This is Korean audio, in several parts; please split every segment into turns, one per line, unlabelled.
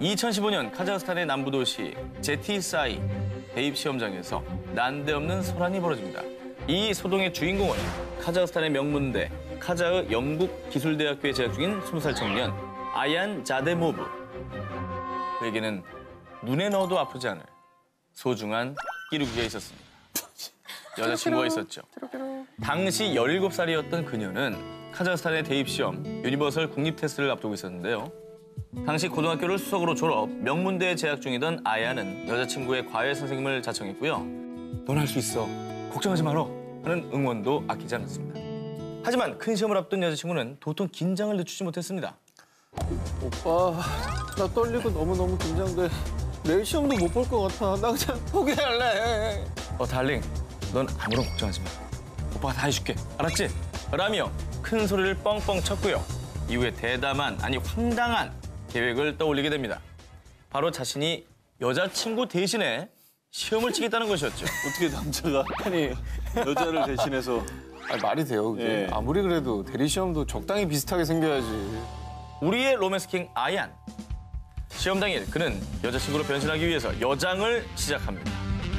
2015년 카자흐스탄의 남부 도시 제티사이 대입 시험장에서 난데없는 소란이 벌어집니다. 이 소동의 주인공은 카자흐스탄의 명문대 카자흐 영국기술대학교에 재학 중인 20살 청년 아얀 자데모브. 그에게는 눈에 넣어도 아프지 않을 소중한 끼룩이가 있었습니다. 여자친구가 있었죠. 당시 17살이었던 그녀는 카자흐스탄의 대입시험 유니버설 국립 테스트를 앞두고 있었는데요. 당시 고등학교를 수석으로 졸업, 명문대에 재학 중이던 아야는 여자친구의 과외 선생님을 자청했고요. 넌 할 수 있어. 걱정하지 마라. 하는 응원도 아끼지 않았습니다. 하지만 큰 시험을 앞둔 여자친구는 도통 긴장을 늦추지 못했습니다.
오빠, 나 떨리고 너무너무 긴장돼. 내일 시험도 못 볼 것 같아. 나 그냥 포기할래.
달링, 넌 아무런 걱정하지 마. 오빠가 다 해줄게. 알았지? 라며 큰 소리를 뻥뻥 쳤고요. 이후에 대담한, 아니 황당한 계획을 떠올리게 됩니다. 바로 자신이 여자친구 대신에 시험을 치겠다는 것이었죠.
어떻게 남자가 아니 여자를 대신해서 말이 돼요, 그게. 예. 아무리 그래도 대리 시험도 적당히 비슷하게 생겨야지.
우리의 로맨스킹 아얀. 시험 당일 그는 여자친구로 변신하기 위해서 여장을 시작합니다.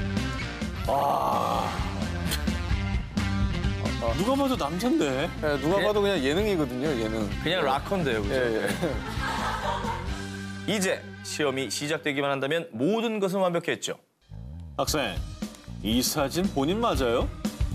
누가 봐도 남잔데. 네, 누가 봐도 그냥 예능이거든요, 예능.
그냥 락커인데요, 그죠?
예, 예.
이제 시험이 시작되기만 한다면 모든 것은 완벽했죠.
학생, 이 사진 본인 맞아요?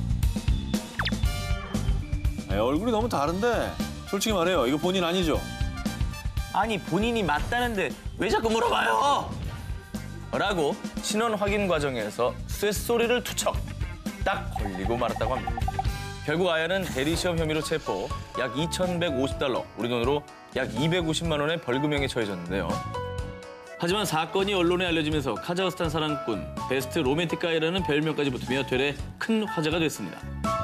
얼굴이 너무 다른데 솔직히 말해요, 이거 본인 아니죠?
아니, 본인이 맞다는데 왜 자꾸 물어봐요? 라고 신원 확인 과정에서 쇳소리를 투척 딱 걸리고 말았다고 합니다. 결국 아야는 대리시험 혐의로 체포, 약 2,150달러, 우리 돈으로 약 250만 원의 벌금형에 처해졌는데요. 하지만 사건이 언론에 알려지면서 카자흐스탄 사랑꾼, 베스트 로맨틱 가이라는 별명까지 붙으며 되레 큰 화제가 됐습니다.